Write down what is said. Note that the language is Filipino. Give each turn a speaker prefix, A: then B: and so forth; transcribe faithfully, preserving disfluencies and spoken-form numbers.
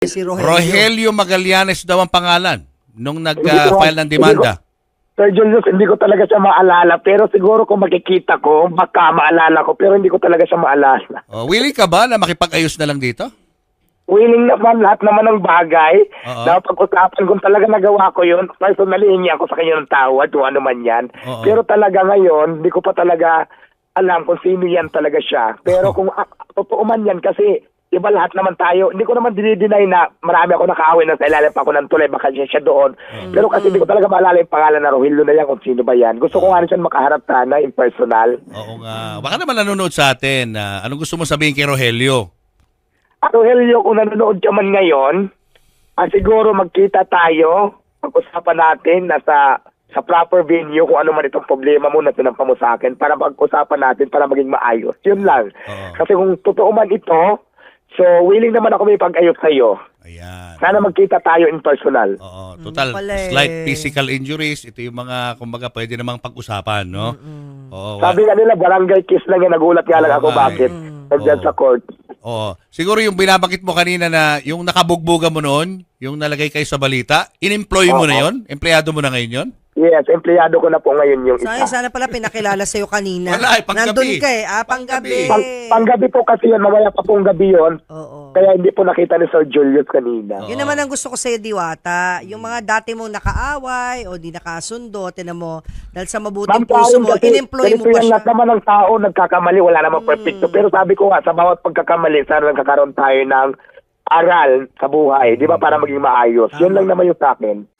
A: Si Rogelio.
B: Rogelio Magallanes daw ang pangalan nung nag-file ng demanda.
C: Sir Julius, hindi ko talaga siya maalala. Pero siguro kung makikita ko, baka maalala ko. Pero hindi ko talaga siya maalala.
B: Oh, willing ka ba na makipag-ayos na lang dito?
C: Willing naman lahat naman ng bagay.
B: Oo.
C: Na pag-usapan kung talaga nagawa ko yun, personally, hingi ako sa kanya ng tawad kung ano man yan.
B: Oo.
C: Pero talaga ngayon, hindi ko pa talaga alam kung sino yan talaga siya. Pero kung uh, totoo man yan, kasi iba lahat naman tayo. Hindi ko naman dinideny na marami ako nakaawin na sa ilalim pa ako ng tulay, baka siya, siya doon. Pero kasi hindi ko talaga maalala yung pangalan na Rogelio na yan kung sino ba yan. Gusto ko nga rin siya makaharap sana in personal.
B: Oo nga. Baka naman nanonood sa atin. ah, anong gusto mo sabihin kay Rogelio?
C: At Rogelio, kung nanonood ka man ngayon, ah, siguro magkita tayo, pag-usapan natin na sa, sa proper venue kung ano man itong problema mo na tinampa mo sa akin para pag-usapan natin para maging maayos. Yun lang.
B: Oo.
C: Kasi kung totoo man ito, so willing naman ako may pag-ayos sa'yo.
B: Ayan.
C: Sana magkita tayo in personal.
B: Oo, total,
A: pala eh.
B: slight physical injuries. Ito yung mga, kumbaga, pwede namang pag-usapan, no? Oo. wa-
C: Sabi nga nila, barangay kiss lang yan. Nagulat nga lang
B: Oo
C: ako
B: nga
C: bakit.
B: eh.
C: Nandiyan
B: Oo.
C: sa court.
B: Oo. Siguro yung binabakit mo kanina na yung nakabugbuga mo noon, yung nalagay kayo sa balita, in-employ mo
C: Oo.
B: na yon? Empleyado mo na ngayon yon?
C: Yes, empleyado ko na po ngayon yung
A: Sana,
C: isa.
A: sana pala pinakilala sa'yo kanina.
B: Wala eh, panggabi.
A: Nandun ka eh. Ah, panggabi.
C: Pang, panggabi po kasi yun, mamaya pa pong gabi yun.
A: Oo.
C: Kaya hindi po nakita ni Sir Julius kanina.
A: Yun naman ang gusto ko sa'yo, Diwata. Yung mga dati mong nakaaway o di nakasundo, tinan mo, dahil sa mabuting puso mo,
C: kasi
A: in-employ mo
C: ganito
A: pa
C: yan,
A: siya.
C: lahat naman ng tao nagkakamali, wala namang perfecto. Pero sabi ko nga, sa bawat pagkakamali, sana nagkakaroon tayo ng aral sa buhay, di ba, para maging maayos. Yun lang naman yung sa akin.